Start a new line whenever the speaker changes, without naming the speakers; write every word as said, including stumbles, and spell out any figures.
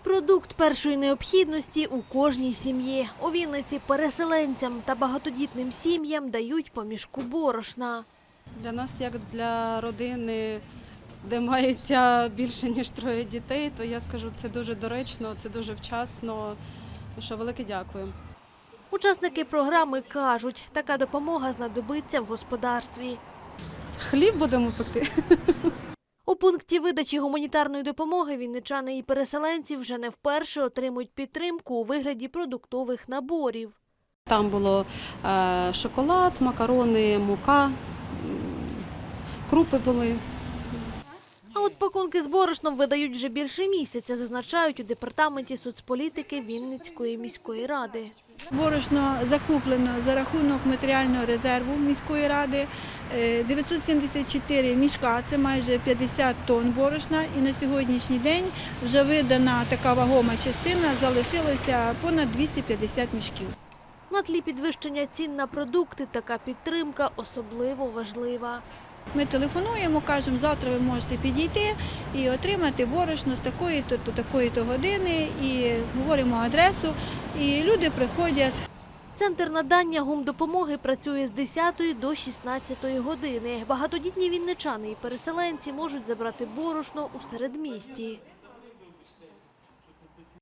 Продукт першої необхідності у кожній сім'ї. У Вінниці переселенцям та багатодітним сім'ям дають по мішку борошна.
Для нас, як для родини, де мається більше ніж троє дітей, то я скажу, це дуже доречно, це дуже вчасно. Що велике дякую.
Учасники програми кажуть, така допомога знадобиться в господарстві.
Хліб будемо пекти.
У пункті видачі гуманітарної допомоги вінничани і переселенці вже не вперше отримують підтримку у вигляді продуктових наборів.
Там було е, шоколад, макарони, мука, м, крупи були.
А от пакунки з борошном видають вже більше місяця, зазначають у департаменті соцполітики Вінницької міської ради.
Борошно закуплено за рахунок матеріального резерву міської ради. дев'ятсот сімдесят чотири мішка, це майже п'ятдесят тонн борошна. І на сьогоднішній день вже видана така вагома частина, залишилося понад двісті п'ятдесят мішків.
На тлі підвищення цін на продукти така підтримка особливо важлива.
Ми телефонуємо, кажемо, завтра ви можете підійти і отримати борошно з такої-то до такої-то години, і говоримо адресу, і люди приходять.
Центр надання гумдопомоги працює з десятої до шістнадцятої години. Багатодітні вінничани і переселенці можуть забрати борошно у середмісті.